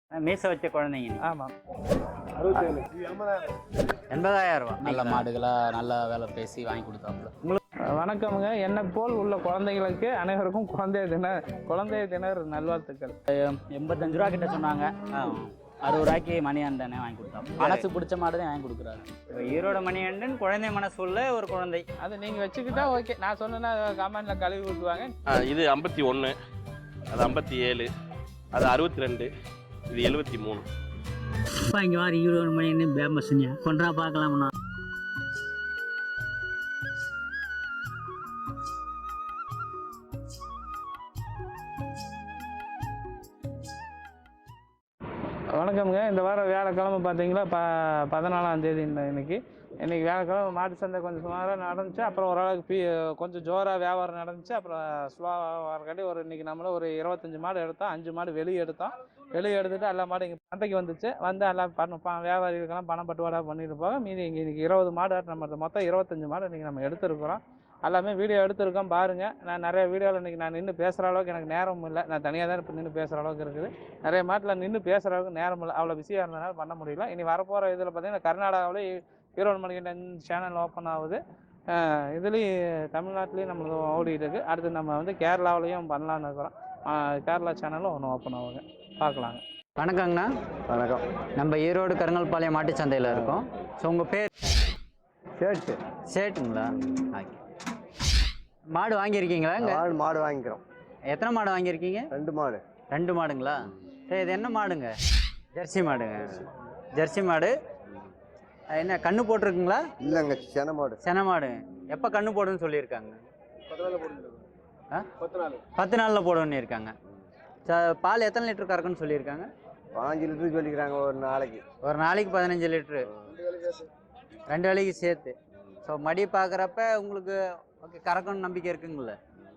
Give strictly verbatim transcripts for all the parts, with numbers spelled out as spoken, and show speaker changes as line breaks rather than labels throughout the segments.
மீச வச்ச குழந்தைங்க.
ஆமாம்.
அறுபத்தேழு
எண்பதாயிரம் ரூபா.
நல்ல மாடுகளா நல்ல வேலை பேசி வாங்கி கொடுத்தாப்புல.
உங்களுக்கு வணக்கமுங்க. என்னை போல் உள்ள குழந்தைகளுக்கு அனைவருக்கும் குழந்தைய தின குழந்தைய தினர் நல்வாழ்த்துக்கள்.
எண்பத்தஞ்சு ரூபா கிட்ட சொன்னாங்க. அறுபது ரூபாய்க்கு மணியாண்டனே வாங்கி கொடுத்தாங்க. மனசு பிடிச்ச மாடு தான் வாங்கி கொடுக்குறாரு.
ஈரோட மணிகண்டன் குழந்தை மனசு உள்ள ஒரு குழந்தை.
அது நீங்கள் வச்சுக்கிட்டா ஓகே. நான் சொன்னேன்னா கமெண்ட்டில் கழுவி விட்டுவாங்க.
இது ஐம்பத்தி ஒன்று, அது ஐம்பத்தி ஏழு, அது அறுபத்தி ரெண்டு, இது எழுபத்தி மூணு.
அப்பா இங்கே வாரி ஈரோடு மணி ஃபேமஸ்ங்க கொண்டா பார்க்கலாம்ண்ணா.
வணக்கமுங்க. இந்த வாரம் வியாழக்கிழமை பார்த்தீங்களா ப பதினாலாம் தேதி இன்னைக்கு இன்றைக்கி வியாழக்கிழமை மாட்டு சந்தை கொஞ்சம் சுமாராக நடந்துச்சு. அப்புறம் ஓரளவுக்கு பீ கொஞ்சம் ஜோராக வியாபாரம் நடந்துச்சு. அப்புறம் ஸ்லோவாக வரக்காட்டி ஒரு இன்றைக்கி நம்மளும் ஒரு இருபத்தஞ்சி மாடு எடுத்தோம். அஞ்சு மாடு வெளியே எடுத்தோம். வெளியே எடுத்துகிட்டு எல்லா மாடு இங்கே சந்தைக்கு வந்துச்சு. வந்து எல்லாம் பண்ண ப வியாபாரிகளுக்கெல்லாம் பணம் பட்டுவாடா பண்ணிட்டு போக மீதி இங்கே இன்றைக்கி இருபது மாடு நம்ம மொத்தம் இருபத்தஞ்சி மாடு இன்றைக்கி நம்ம எடுத்துருக்குறோம். எல்லாமே வீடியோ எடுத்துருக்கோம் பாருங்கள். நான் நிறைய வீடியோவில் இன்றைக்கி நான் நின்று பேசுகிற அளவுக்கு எனக்கு நேரம் இல்லை. நான் தனியாக தான் இப்போ நின்று பேசுகிற அளவுக்கு இருக்குது. நிறைய மாட்டில் நின்று பேசுகிற அளவுக்கு நேரம் இல்லை. அவ்வளோ பிஸியாக இருந்ததுனால பண்ண முடியல. இனி வரப்போகிற இதில் பார்த்தீங்கன்னா கர்நாடகாவில் ஈரோடு மணிகண்டன் சேனல் ஓப்பன் ஆகுது. இதுலேயும் தமிழ்நாட்டிலையும் நம்மளுக்கு ஓடிட்டு இருக்குது. அடுத்து நம்ம வந்து கேரளாவிலையும் பண்ணலான்னு இருக்கிறோம். கேரளா சேனலும் ஒன்று ஓப்பன் ஆகுங்க. பார்க்கலாங்க.
வணக்கங்கண்ணா.
வணக்கம்.
நம்ம ஈரோடு கருங்கல்பாளையம் மாட்டு சந்தையில் இருக்கோம். ஸோ உங்கள் பேர்?
சேட்டு.
சேட்டுங்களா? ஓகே. மாடு வாங்கியிருக்கீங்களா?
மாடு மாடு வாங்கிக்கிறோம்.
எத்தனை மாடு வாங்கியிருக்கீங்க?
ரெண்டு மாடு.
ரெண்டு மாடுங்களா? சரி, இது என்ன மாடுங்க? ஜெர்சி மாடுங்க. ஜெர்சி மாடு என்ன கண்ணு போட்டிருக்குங்களா?
இல்லைங்க, சென மாடு.
சென மாடு. எப்போ கண்ணு போடுன்னு சொல்லியிருக்காங்க? ஆ பத்து நாளில் போடுன்னு இருக்காங்க. பால் எத்தனை லிட்டர் கறக்குன்னு சொல்லியிருக்காங்க?
பாஞ்சு லிட்டரு சொல்லிக்கிறாங்க ஒரு நாளைக்கு.
ஒரு நாளைக்கு பதினஞ்சு லிட்ரு, ரெண்டு வேலைக்கு சேர்த்து. ஸோ மடி பார்க்குறப்ப உங்களுக்கு ஓகே கறக்கணும்னு நம்பிக்கை இருக்குங்கள?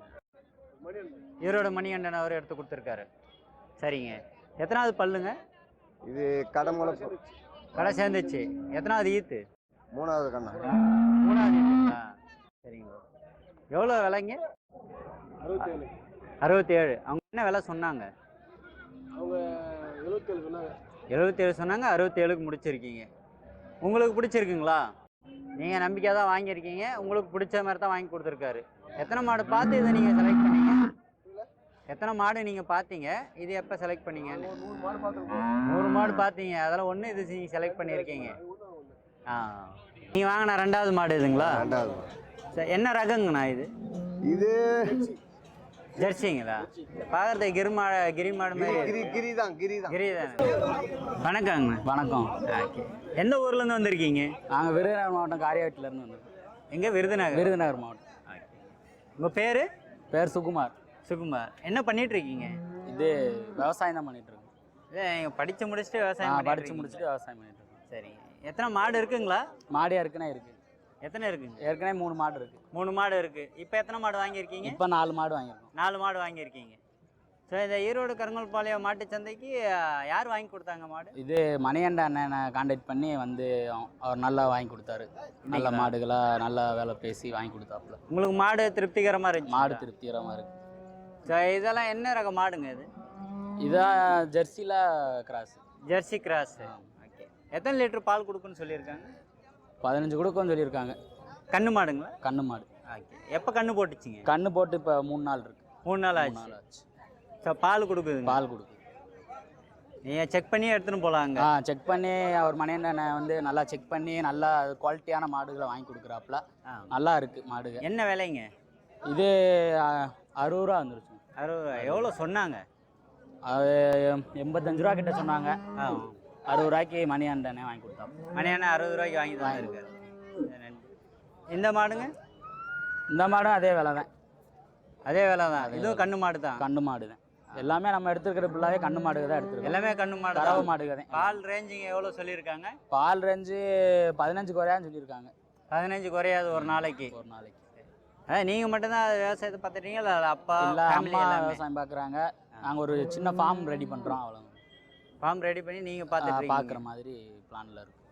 ஈரோடு மணிகண்டன் அவர் எடுத்து கொடுத்துருக்காரு. சரிங்க. எத்தனாவது பல்லுங்க
இது? கடை முளைப்பு.
கடை சேர்ந்துச்சு. எத்தனாவது ஈத்து?
மூணாவது கண்ணா.
மூணாவது ஈத்துங்களா? சரிங்க. எவ்வளோ விலைங்க?
அறுபத்தேழு.
அறுபத்தி ஏழு. அவங்க என்ன விலை சொன்னாங்க?
அவங்க எழுபத்தேழு சொன்னாங்க.
எழுபத்தேழு சொன்னாங்க. அறுபத்தேழுக்கு முடிச்சிருக்கீங்க. உங்களுக்கு பிடிச்சிருக்குங்களா? நீங்கள் நம்பிக்கை தான் வாங்கியிருக்கீங்க. உங்களுக்கு பிடிச்ச மாதிரி தான் வாங்கி கொடுத்துருக்காரு. எத்தனை மாடு பார்த்து இதை நீங்கள் செலக்ட் பண்ணீங்க? எத்தனை மாடு நீங்கள் பார்த்தீங்க? இது எப்போ செலக்ட் பண்ணீங்க? நூறு மாடு பார்த்தீங்க. அதெல்லாம் ஒன்று இது நீங்கள் செலக்ட் பண்ணியிருக்கீங்க. ஆ, நீங்கள் வாங்கின ரெண்டாவது மாடு இதுங்களா?
ரெண்டாவது.
சரி, என்ன ரகங்கண்ணா இது?
இது
ஜெர்சிங்களா? பார்க்குறதுக்கு கிரி மாடு கிரி மாடு மாதிரி.
கிரி கிரி தான் கிரி தான்
கிரி தானே. வணக்கங்கண்ணா.
வணக்கம்.
ஓகே. எந்த ஊர்லேருந்து வந்திருக்கீங்க?
நாங்கள் விருதுநகர் மாவட்டம் காரியாட்டிலேருந்து வந்திருக்கோம்.
எங்கே? விருதுநகர்.
விருதுநகர் மாவட்டம்.
ஓகே. உங்கள் பேர்?
பேர் சுகுமார்.
சுகுமார். என்ன பண்ணிட்டு இருக்கீங்க?
இது விவசாயம் தான் பண்ணிட்டு இருக்கோம்.
இல்லை, நீங்கள் படித்து முடிச்சுட்டு விவசாயம்
படித்து
படித்து
முடிச்சுட்டு விவசாயம் பண்ணிட்டு இருக்கோம்.
சரிங்க. எத்தனை மாடு இருக்குங்களா?
மாடியா இருக்குன்னா இருக்கு.
எத்தனை இருக்குங்க?
ஏற்கனவே மூணு மாடு இருக்கு.
மூணு மாடு இருக்கு. இப்போ எத்தனை மாடு வாங்கியிருக்கீங்க?
இப்போ நாலு மாடு வாங்கியிருக்கோம்.
நாலு மாடு வாங்கியிருக்கீங்க. ஸோ இந்த ஈரோடு கருங்கல்பாளையம் மாட்டு சந்தைக்கு யார் வாங்கி கொடுத்தாங்க மாடு?
இது மணிகண்ட அண்ணனை கான்டாக்ட் பண்ணி வந்து அவர் நல்லா வாங்கி கொடுத்தாரு. நல்ல மாடுகளாக நல்லா வேலை பேசி வாங்கி கொடுத்தாப்புல.
உங்களுக்கு மாடு திருப்திகரமாக இருந்துச்சு?
மாடு திருப்திகரமாக இருக்கு.
ஸோ இதெல்லாம் என்ன ரக மாடுங்க இது?
இதான் ஜெர்சியில் கிராஸ்.
Jersey cross. ஓகே. எத்தனை லிட்டர் பால் கொடுக்குன்னு சொல்லியிருக்காங்க?
பதினஞ்சு கொடுக்குன்னு சொல்லியிருக்காங்க.
கண்ணு மாடுங்களா?
கண்ணு மாடு.
ஓகே. எப்போ கண்ணு போட்டுச்சிங்க?
கண்ணு போட்டு இப்போ மூணு நாள் இருக்கு.
மூணு நாள் ஆச்சு.
நாள் ஆச்சு.
ஸோ பால் கொடுக்குது?
பால் கொடுக்குது.
நீங்கள் செக் பண்ணி எடுத்துன்னு போகலாங்க.
ஆ, செக் பண்ணி அவர் மணிகண்டனை வந்து நல்லா செக் பண்ணி நல்லா குவாலிட்டியான மாடுகளை வாங்கி கொடுக்குறாப்புல. நல்லா இருக்குது மாடுகள்.
என்ன விலைங்க
இது? அறுபது ரூபா வந்துருச்சு.
அறுபது ரூபா. எவ்வளோ சொன்னாங்க?
அது எண்பத்தஞ்சு ரூபா கிட்ட சொன்னாங்க. அறுபது ரூபாய்க்கு மணிகண்டனே வாங்கி கொடுத்தாங்க.
மணியானா அறுபது ரூபாய்க்கு வாங்கி தான் இருக்காரு. இந்த மாடுங்க?
இந்த மாடும் அதே விலை தான்.
அதே விலை தான். இதுவும் கண்ணு மாடு தான்.
கண்ணு மாடு தான். எல்லாமே நம்ம எடுத்துருக்கிற ஃபுல்லாகவே கண்ணு மாடுக தான் எடுத்துருக்கோம்.
எல்லாமே கண்ணு மாடு,
கறவை மாடுக தான்.
பால் ரேஞ்சிங்க எவ்வளோ சொல்லியிருக்காங்க?
பால் ரேஞ்சு பதினஞ்சு குறையான்னு சொல்லியிருக்காங்க.
பதினஞ்சு குறையாது ஒரு நாளைக்கு?
ஒரு நாளைக்கு.
அதான் நீங்கள் மட்டும்தான் விவசாயத்தை பார்த்துட்டீங்க? இல்லை அப்பா
இல்லை, அம்மா விவசாயம் பார்க்குறாங்க. நாங்கள் ஒரு சின்ன ஃபார்ம் ரெடி பண்ணுறோம், அவ்வளோ.
ஃபார்ம் ரெடி பண்ணி நீங்கள் பார்த்துட்டு
பார்க்குற மாதிரி பிளானில் இருக்கும்.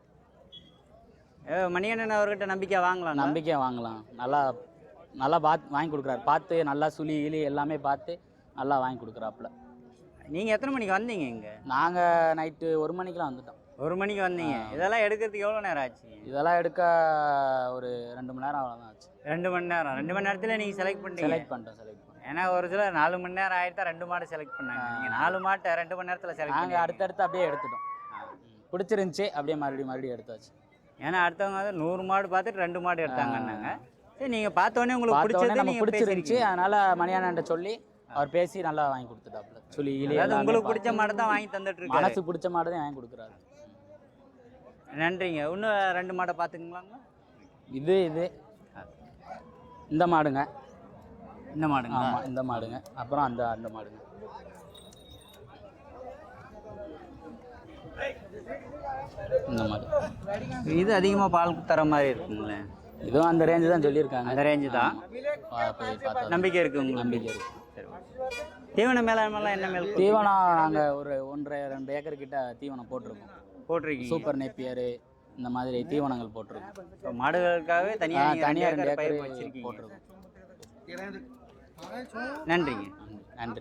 மணிகண்டன் அவர்கிட்ட நம்பிக்கை வாங்கலாம்?
நம்பிக்கை வாங்கலாம். நல்லா நல்லா பார்த்து வாங்கி கொடுக்குறாரு. பார்த்து நல்லா சுழி கிளி எல்லாமே பார்த்து நல்லா வாங்கி கொடுக்குறாப்புல.
நீங்கள் எத்தனை மணிக்கு வந்தீங்க இங்கே?
நாங்கள் நைட்டு ஒரு மணிக்கெலாம் வந்துட்டோம்.
ஒரு மணிக்கு வந்தீங்க. இதெல்லாம் எடுக்கிறதுக்கு எவ்வளோ நேரம் ஆச்சு?
இதெல்லாம் எடுக்க ஒரு ரெண்டு மணி நேரம் அவ்வளோதான் ஆச்சு.
ரெண்டு மணி நேரம். ரெண்டு மணி நேரத்தில் நீங்கள் செலக்ட் பண்ணிட்டீங்க?
செலக்ட் பண்ணிட்டோம் செலக்ட் பண்ணோம்.
ஏன்னா ஒரு சிலர் நாலு மணி நேரம் ஆகிட்டு ரெண்டு மாடு செலக்ட் பண்ணாங்க. நீங்கள் நாலு மாட்டை ரெண்டு மணி நேரத்தில் செலக்ட்
நாங்கள் அடுத்தடுத்து அப்படியே எடுத்துட்டோம். பிடிச்சிருந்துச்சி அப்படியே மறுபடியும் மறுபடியும் எடுத்தாச்சு.
ஏன்னா அடுத்தவங்க வந்து நூறு மாடு பார்த்துட்டு ரெண்டு மாடு எடுத்தாங்கன்னாங்க. சரி, நீங்கள் பார்த்தோன்னே உங்களுக்கு
பார்த்தோன்னே
பிடிச்சது
நம்ம
நீங்கள்
பிடிச்சிருந்துச்சி,
பிடிச்சிருந்துச்சு.
அதனால் மணியானன்ட்ட சொல்லி அவர் பேசி நல்லா வாங்கி கொடுத்துட்டாப்புல. சொல்லி
அதாவது உங்களுக்கு பிடிச்ச மாடு தான் வாங்கி தந்துட்டு இருக்காரு.
மனசு பிடிச்ச மாடு தான் வாங்கி கொடுக்குறாரு.
நன்றிங்க. இன்னும் ரெண்டு மாடை பார்த்துக்கலாங்களா?
இது இது இந்த மாடுங்க.
இந்த மாடுங்க.
ஆமாம், இந்த மாடுங்க. அப்புறம் அந்த அந்த மாடுங்க. இந்த மாடு
இது அதிகமாக பால் தர மாதிரி இருக்குங்களே.
இதுவும் அந்த ரேஞ்சு தான் சொல்லியிருக்காங்க.
அந்த ரேஞ்சு தான்.
பா- போய் பார்த்தா
நம்பிக்கை இருக்குது உங்களுக்கு?
நம்பிக்கை இருக்கு.
சரி. தீவன மேலாண்மைலாம் என்ன மேல்
தீவனம் நாங்கள் ஒரு ஒன்றரை ரெண்டு ஏக்கர் கிட்ட தீவனம் போட்டிருக்கோம்.
போட்டிருக்கீங்க?
சூப்பர் நேப்பியரு இந்த மாதிரி தீவனங்கள் போட்டிருக்கோம்.
இப்போ மாடுகளுக்காகவே
ஆ,
தனியாக
தனியாக ரெண்டு
பயிர்
ஏக்கர்
வச்சிருக்கீங்க.
போட்டிருக்கோம்.
நன்றிங்க.
நன்றி.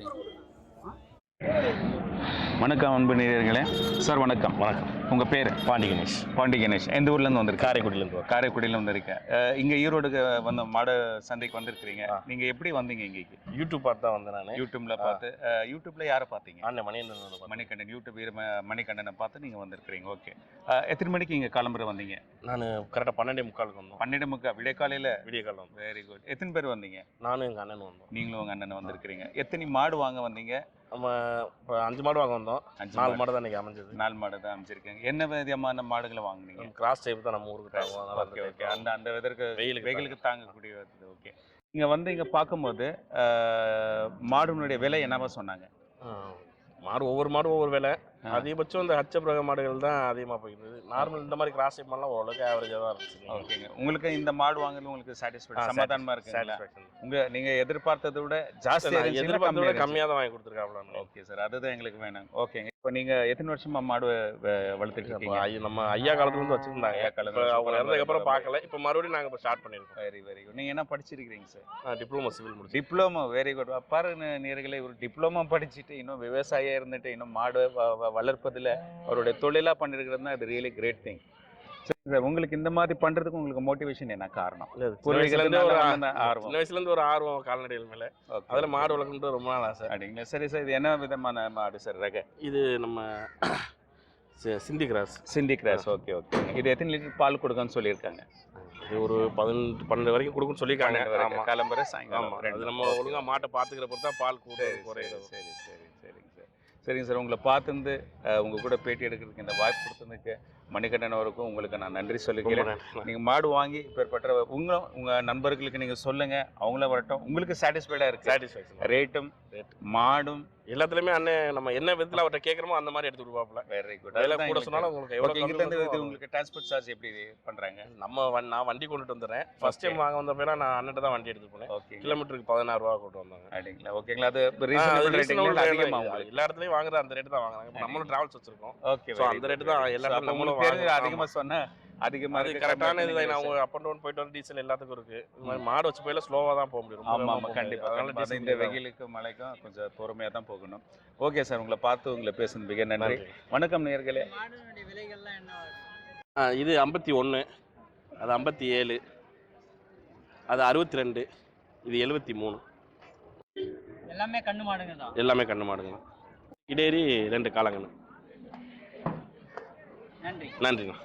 வணக்கம் அன்பு நேயர்களே. சார் வணக்கம்.
வணக்கம்.
உங்கள் பேர்?
பாண்டி கணேஷ்.
பாண்டி கணேஷ். எந்த ஊர்லேருந்து வந்திருக்கீங்க?
காரைக்குடியிலேருந்து வரோம்.
காரைக்குடியில் வந்திருக்கேன். இங்கே ஈரோடுக்கு வந்த மாடு சந்தைக்கு வந்திருக்கிறீங்க.
ஆ.
நீங்கள் எப்படி வந்தீங்க இங்கேக்கு?
யூடியூப் பார்த்து தான் வந்தேன் நான்.
யூடியூப்ல பார்த்து. யூடியூப்ல யாரை பார்த்தீங்க?
அண்ணன் மணியன்.
மணிகண்டன். யூடியூப் வீர ம- மணிகண்டனை பார்த்து நீங்கள் வந்திருக்கிறீங்க. ஓகே. எத்தனை மணிக்கு இங்கே கிளம்புற வந்தீங்க?
நான் கரெக்டாக பன்னெண்டே முக்காலுக்கு வந்தோம்.
பன்னெண்டு முக்கா விடிய காலையில்?
விடிய காலம் வந்தோம்.
Very good. எத்தனை பேர் வந்தீங்க?
நானும் எங்கள் அண்ணன் வந்தோம்.
நீங்களும் உங்கள் அண்ணன் வந்திருக்கிறீங்க. எத்தனை மாடு வாங்க வந்தீங்க?
நம்ம இப்போ அஞ்சு மாடு வாங்க வந்தோம்.
அஞ்சு
நாலு
மாடு.
மாடு தான் இன்றைக்கி அமைஞ்சது.
நாலு மாடு தான் அமைச்சிருக்கீங்க. என்ன விதமான மாடுகளை வாங்குனீங்க?
கிராஸ் டைப் தான் நம்ம ஊருக்கு தாங்குவோம். அதனால
ஓகே ஓகே. அந்த அந்த வெதற்கு
வெயிலுக்கு
வெயிலுக்கு தாங்கக்கூடிய ஓகே. இங்கே வந்து இங்கே பார்க்கும்போது அஹ், மாடுனுடைய விலை என்னவா சொன்னாங்க?
ஆ, மாடு ஒவ்வொரு மாடும் ஒவ்வொரு விலை. அதிகபட்சம் இந்த ஹச்சபிரக மாடுகள் தான் அதிகமாக போயிருந்தது. நார்மல் இந்த மாதிரி கிராஸ் டைப் மாடலாம் ஓரளவுக்கு ஆவரேஜாக தான் இருந்துச்சு.
ஓகேங்க. உங்களுக்கு இந்த மாடு வாங்குறது உங்களுக்கு சாட்டிஸ்ஃபைட் சமாதானமா இருக்குங்களா?
சாட்டிஸ்ஃபேக்ஷன்.
உங்க நீங்க எதிர்பார்த்ததை விட ஜாஸ்தி
எதிர்பார்த்தத விட கம்மியாக தான் வாங்கி கொடுத்துருக்காப்ல.
ஓகே சார், அதுதான் எங்களுக்கு வேணும். ஓகேங்க. இப்போ நீங்க எத்தனை வருஷமா மாடு வ- வளர்த்துட்டு இருக்கீங்க?
ஐயா, நம்ம ஐயா காலத்துல இருந்து வச்சிருந்தாங்க.
ஐயா காலத்துல
இப்போ அவங்க
சூப்பரா
இறந்ததுக்கப்புறம்
இருந்தது.
பார்க்கல. இப்போ மறுபடியும் நாங்கள் இப்போ ஸ்டார்ட் பண்ணியிருக்கோம்.
Very very good. நீங்க என்ன படிச்சிருக்கீங்க சார்?
டிப்ளமோ சிவில் முடிச்சு.
டிப்ளமோ. Very good. பாருங்க நேயர்களே, ஒரு டிப்ளமோ படிச்சுட்டு இன்னும் விவசாயியா இருந்துட்டு இன்னும் மாடு வ- வ- வளர்ப்பதுல அவருடைய தொழிலா பண்ணிருக்கிறதுனா அது ரியலி கிரேட் திங். சார், உங்களுக்கு இந்த மாதிரி பண்றதுக்கு உங்களுக்கு மோட்டிவேஷன் என்ன காரணம்?
இல்ல, சின்ன
பூர்வீகத்துல
வயசுலேருந்து ஒரு
இருந்து ஆர்வம்.
சின்ன வயசுலேருந்து ஒரு ஆர்வம் கால்நடைகள் மேலே.
Okay.
அதில் மாடு வளர்க்கணுன்றது ரொம்ப நாள் ஆசை.
அப்படிங்களா? சரி சார், இது என்ன விதமான மாடு சார்? ரக
இது நம்ம சி- சிந்தி கிராஸ்.
சிந்தி கிராஸ். Okay okay. இது எத்தனை லிட்டர் பால் கொடுக்குன்னு சொல்லியிருக்காங்க?
இது ஒரு பதினெட்டு பன்னெண்டு வரைக்கும் கொடுக்குன்னு சொல்லியிருக்காங்க. ஆமாம்.
கிளம்புற சாயங்காலம்
ஆமாம்.
ரெண்டு.
அது நம்ம ஒழுங்காக மாட்டை பார்த்துக்கிற பொறுத்து தான் பால் கூட
சரி
குறையிறது.
சரி சரி சரிங்க சார். சரிங்க சார், உங்களை பார்த்துருந்து அஹ், உங்க கூட பேட்டி எடுக்கிறதுக்கு இந்த வாய்ப்பு கொடுத்ததுக்கு மணிகண்டன் அவருக்கும் உங்களுக்கு நான் நன்றி
ரொம்ப
சொல்லிக்கிறேன்.
நன்றி.
நீங்கள் மாடு வாங்கி இப்பேற்பட்ட உங்களும் உங்கள் நண்பர்களுக்கு நீங்கள் சொல்லுங்கள், அவங்கள வரட்டும். உங்களுக்கு சாட்டிஸ்ஃபைடாக இருக்குது
சாட்டிஸ்ஃபேக்ஷன்.
ரேட்டும்
Rate.
மாடும்
எல்லாத்துலேயுமே அண்ணன் நம்ம என்ன விதத்தில் அவர்கிட்ட கேட்குறோமோ அந்த மாதிரி எடுத்து கொடுப்பாப்புல.
Very good.
அதில் கூட சொன்னாலும் உங்களுக்கு எவ்வளோ
இங்கிருந்து
கம்மி
உங்களுக்கு டிரான்ஸ்போர்ட் சார்ஜ் எப்படி பண்ணுறாங்க?
நம்ம வண்- நான் வண்டி கொண்டுட்டு வந்துடுறேன். ஃபர்ஸ்ட் டைம் வாங்க வந்தப்ப நான் அண்ணன் தான் வண்டி எடுத்து போனேன்.
ஓகே.
கிலோமீட்டருக்கு பதினாறு ரூபா கொண்டு வந்தாங்க.
அப்படிங்களா? ஓகேங்களா? அது
ஆ, அது
ரீசனபிள்
reasonable
ரேட்டிங்
rate
அதிகமாக
தான்.
உங்களுக்கு?
எல்லா இடத்துலையும் வாங்குற அந்த ரேட்டு தான் வாங்குறாங்க. இப்போ நம்மளும் டிராவல்ஸ் வச்சிருக்கோம்.
ஓகே.
So, அந்த rate தான் எல்லா இடத்துலயும் நம்மளும்
தெரிஞ்சு
வாங்குறோம்.
அதிகமாக சொன்னா அதிகமாக
அது கரெக்டான இதுதான். அவங்க அப் அண்ட் டவுன் போயிட்டு வர டீசல் எல்லாத்துக்கும் இருக்கு. இந்த மாதிரி மாடு வச்சு போயில ஸ்லோவாக தான் போக முடியும். ரொம்ப
ஆமாம்
வேகமா
ஆமாம்
போக
கண்டிப்பாக.
முடியாது.
அதனால
அதனால
இந்த
diesel
வெயிலுக்கும் மழைக்கும் கொஞ்சம் பொறுமையாக தான் போகணும். ஓகே சார், உங்களை பார்த்து உங்களை பேசுனது மிக நன்றி.
நன்றி.
வணக்கம் நேயர்களே.
மாடுனுடைய விலைகள்லாம் என்ன?
ஆ, இது ஐம்பத்தி ஒன்று, அது ஐம்பத்தி ஏழு, அது அறுபத்தி ரெண்டு, இது எழுபத்தி மூணு.
எல்லாமே கண்ணு மாடுங்க தான்.
எல்லாமே கண்ணு மாடுங்க. இடேரி ரெண்டு காலங்கண்ணு.
நன்றி.
நன்றிண்ணா.